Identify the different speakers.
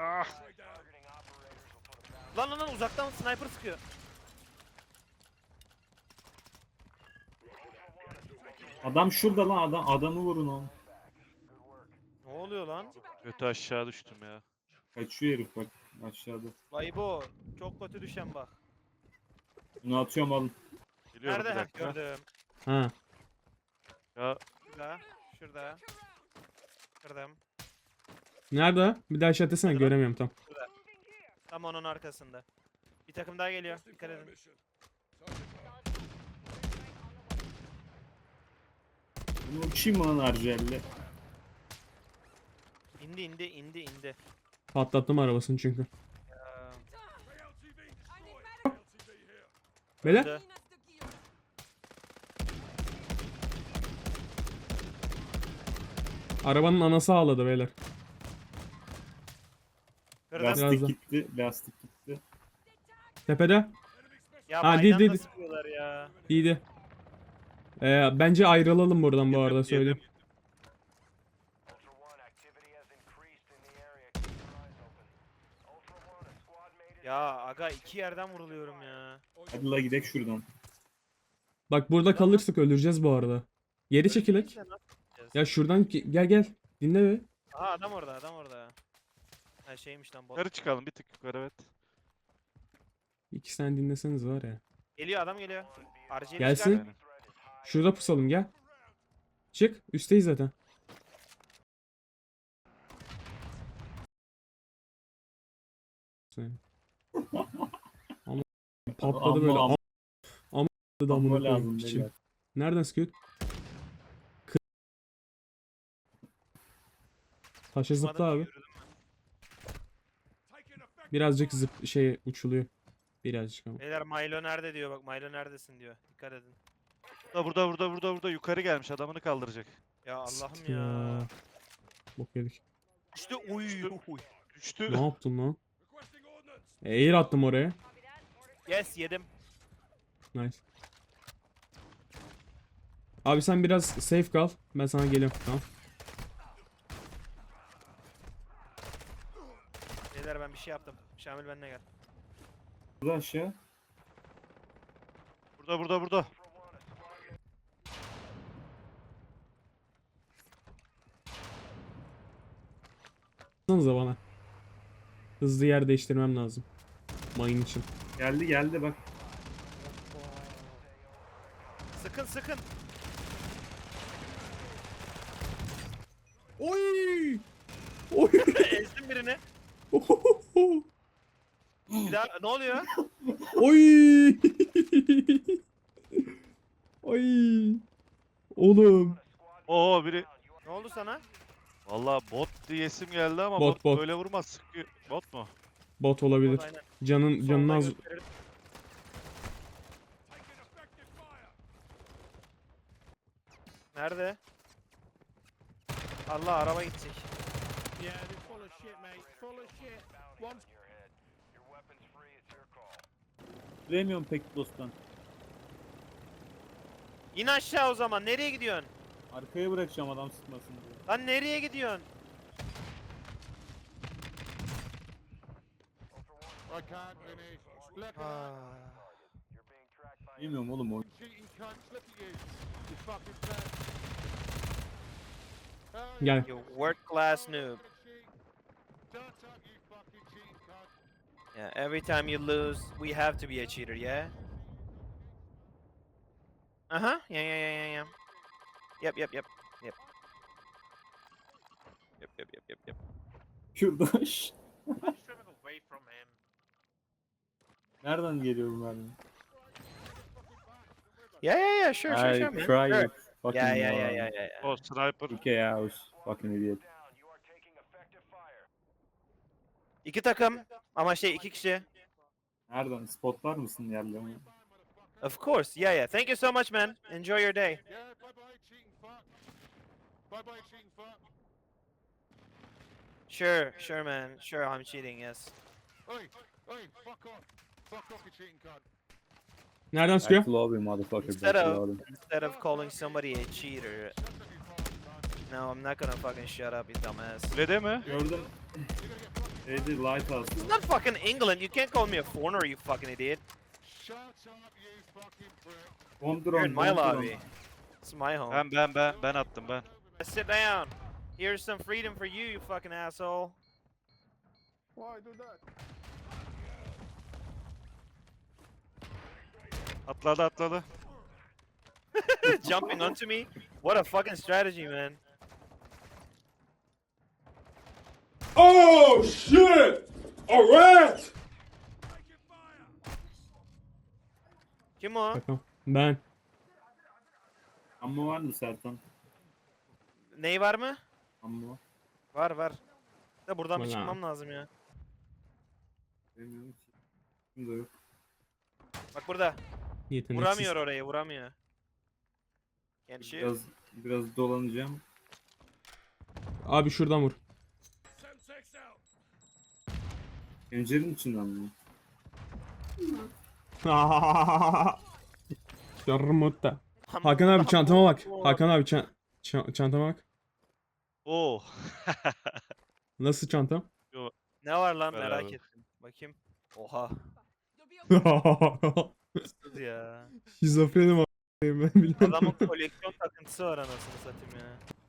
Speaker 1: Ah. Lan uzaktan sniper sıkıyor.
Speaker 2: Adam şurada lan, adamı vurun oğlum.
Speaker 1: Ne oluyor lan?
Speaker 3: Kötü aşağı düştüm ya.
Speaker 2: Kaçıyor herif bak aşağıda.
Speaker 1: Vay bu. Çok kötü düşen bak.
Speaker 2: Bunu atıyorum alın.
Speaker 3: Geliyorum
Speaker 1: Nerede?
Speaker 3: bir
Speaker 1: Heh,
Speaker 3: dakika.
Speaker 1: gördüm.
Speaker 4: Ha.
Speaker 3: Ya
Speaker 1: Şurada. Şurada. Kırdım.
Speaker 4: Nerede? Bir daha aşağı desene, göremiyorum tam.
Speaker 1: Tam onun arkasında. Bir takım daha geliyor. Dikkat edin.
Speaker 2: Bunu uçayım mı lan Arjel'le?
Speaker 1: İndi.
Speaker 4: Patlattım arabasını çünkü.
Speaker 1: Ya,
Speaker 4: Beyler.
Speaker 1: öldü.
Speaker 4: Arabanın anası ağladı beyler.
Speaker 1: Kırdım.
Speaker 4: Biraz
Speaker 2: Lastik
Speaker 4: da.
Speaker 2: gitti, lastik gitti.
Speaker 4: Tepede.
Speaker 1: Ya
Speaker 4: Ha,
Speaker 1: baydan
Speaker 4: değil.
Speaker 1: da sıkıyorlar ya.
Speaker 4: İyiydi. Bence ayrılalım buradan bu arada,
Speaker 3: yedim,
Speaker 4: söyleyeyim.
Speaker 3: yedim.
Speaker 1: Ya aga iki yerden vuruluyorum ya.
Speaker 2: Hadi la gidelim şuradan.
Speaker 4: Bak burada kalırsak öleceğiz bu arada. Geri çekilek.
Speaker 1: Ölmeyince nasıl yapacağız?
Speaker 4: Ya şuradan gel. Dinle be.
Speaker 1: Aha adam orada. Ha şeymiş lan bot.
Speaker 3: Yukarı çıkalım, bir tık yukarı, evet.
Speaker 4: İki sene dinleseniz var ya.
Speaker 1: Geliyor adam geliyor. RG'yi
Speaker 4: Gelsin.
Speaker 3: Yani.
Speaker 4: Şurada pusalım, gel. Çık. Üstteyiz zaten. Sen. Ama patladı böyle.
Speaker 2: Amma-
Speaker 4: Ama da
Speaker 2: Amma
Speaker 4: amına
Speaker 2: lazım
Speaker 4: koyayım piçim.
Speaker 2: beyler.
Speaker 4: Nereden sıkıyor? Taşa zıpla abi. Birazcık uçuluyor. Birazcık ama.
Speaker 1: Beyler Milo nerede diyor bak Milo neredesin diyor. Dikkat edin.
Speaker 3: Burada yukarı gelmiş, adamını kaldıracak.
Speaker 1: Ya Allah'ım
Speaker 4: Siktir
Speaker 1: ya.
Speaker 4: Bok yedik.
Speaker 1: İşte uy.
Speaker 3: Düştü.
Speaker 4: Ne yaptın lan? Air attım oraya.
Speaker 1: Yes yedim.
Speaker 4: Nice. Abi sen biraz safe kal. Ben sana geliyorum. Tamam.
Speaker 1: Beyler ben bir şey yaptım. Şamil benimle gel.
Speaker 2: Burada aşağı.
Speaker 3: Burada.
Speaker 4: Baksanıza bana. Hızlı yer değiştirmem lazım. Mayın için.
Speaker 2: Geldi bak.
Speaker 1: Sıkın.
Speaker 4: Oy! Oy!
Speaker 1: Ezdim birini. Bir daha ne oluyor?
Speaker 4: Oy! Oy! Oğlum.
Speaker 3: Oo biri.
Speaker 1: Ne oldu sana?
Speaker 3: Vallahi bot diyesim geldi ama
Speaker 4: Bot.
Speaker 3: böyle vurmaz, sıkıyor. Bot mu?
Speaker 4: Bot olabilir.
Speaker 1: Aynen.
Speaker 4: Canın
Speaker 1: Soldan
Speaker 4: az.
Speaker 1: gösterelim. Nerede? Allah araba gidecek.
Speaker 5: Yeah, they're full of shit, mate. Full of shit. One
Speaker 2: Bilemiyorum pek dosttan.
Speaker 1: İn aşağı o zaman. Nereye gidiyorsun?
Speaker 2: Arkaya bırakacağım adam sıkmasın diye.
Speaker 1: Lan nereye gidiyorsun?
Speaker 5: I can't finish. Look at
Speaker 1: Ah.
Speaker 2: Bilmiyorum oğlum o.
Speaker 5: that cheating cunts. Look at you. You fucking fat. Oh,
Speaker 4: Gel.
Speaker 1: You world class noob.
Speaker 5: Shut up, you fucking cheating cunt.
Speaker 1: Yeah, every time you lose, we have to be a cheater, yeah? Uh-huh. Yeah. Yep.
Speaker 2: Şurada.
Speaker 1: I'm swimming away from him.
Speaker 2: Nereden geliyor bu mermi?
Speaker 1: Yeah, sure, man.
Speaker 2: I
Speaker 1: Sure.
Speaker 2: cry you fucking
Speaker 1: Yeah.
Speaker 3: O sniper.
Speaker 2: Okay, I was fucking idiot.
Speaker 1: İki takım ama iki kişi.
Speaker 2: Nereden? Spotlar mısın yerlerini?
Speaker 1: Of course. Yeah. Thank you so much, man. Enjoy your day.
Speaker 5: Yeah, bye-bye, cheating fuck. Bye-bye, cheating fuck.
Speaker 1: Sure, man. Sure, I'm cheating. Yes.
Speaker 5: Oi, fuck off. Fuck off, you cheating cunt.
Speaker 4: Nereden sıkıyor?
Speaker 2: Backload you motherfucker.
Speaker 1: Instead
Speaker 2: Backload.
Speaker 1: Instead of calling somebody a cheater,
Speaker 5: Shut up, you fucking cunt.
Speaker 1: no, I'm not gonna fucking shut up, you dumbass.
Speaker 3: Kulede mi?
Speaker 2: Gördüm.
Speaker 5: You're gonna get fucking
Speaker 2: Şeydi Lighthouse.
Speaker 1: It's not fucking England. You can't call me a foreigner, you fucking idiot.
Speaker 5: Shut up, you fucking prick.
Speaker 2: Bomb
Speaker 1: You're
Speaker 2: drone.
Speaker 1: in my
Speaker 2: bomb drone.
Speaker 1: lobby. It's my home.
Speaker 3: Ben attım ben.
Speaker 1: Sit down. Here's some freedom for you, you fucking asshole.
Speaker 5: Why do that?
Speaker 3: Atladı.
Speaker 1: Jumping onto me? What a fucking strategy, man.
Speaker 6: Oh shit! A rat!
Speaker 1: Kim o?
Speaker 4: Bakalım. Ben.
Speaker 2: Ammo var mı Sertan?
Speaker 1: Ney var mı?
Speaker 2: Ammo.
Speaker 1: Var var. Da buradan bir
Speaker 4: Bana.
Speaker 1: çıkmam lazım ya.
Speaker 2: Bilmiyorum ki. Şimdi yok.
Speaker 1: Bak burada.
Speaker 4: Yeteneksiz.
Speaker 1: Vuramıyor orayı, vuramıyor. Can't shoot.
Speaker 2: Biraz dolanacağım.
Speaker 4: Abi şuradan vur.
Speaker 2: Pencerenin içinden mi?
Speaker 4: Şarmutta. Hakan abi çantama bak. Hakan abi çantama bak.
Speaker 3: Oo.
Speaker 4: Nasıl çantam?
Speaker 1: Ne var lan
Speaker 3: Beraber.
Speaker 1: merak ettim. Bakayım. Oha. Kız ya.
Speaker 4: Şizofrenim a**ayım ben biliyorum.
Speaker 1: Adamın koleksiyon takıntısı var anasını satayım ya.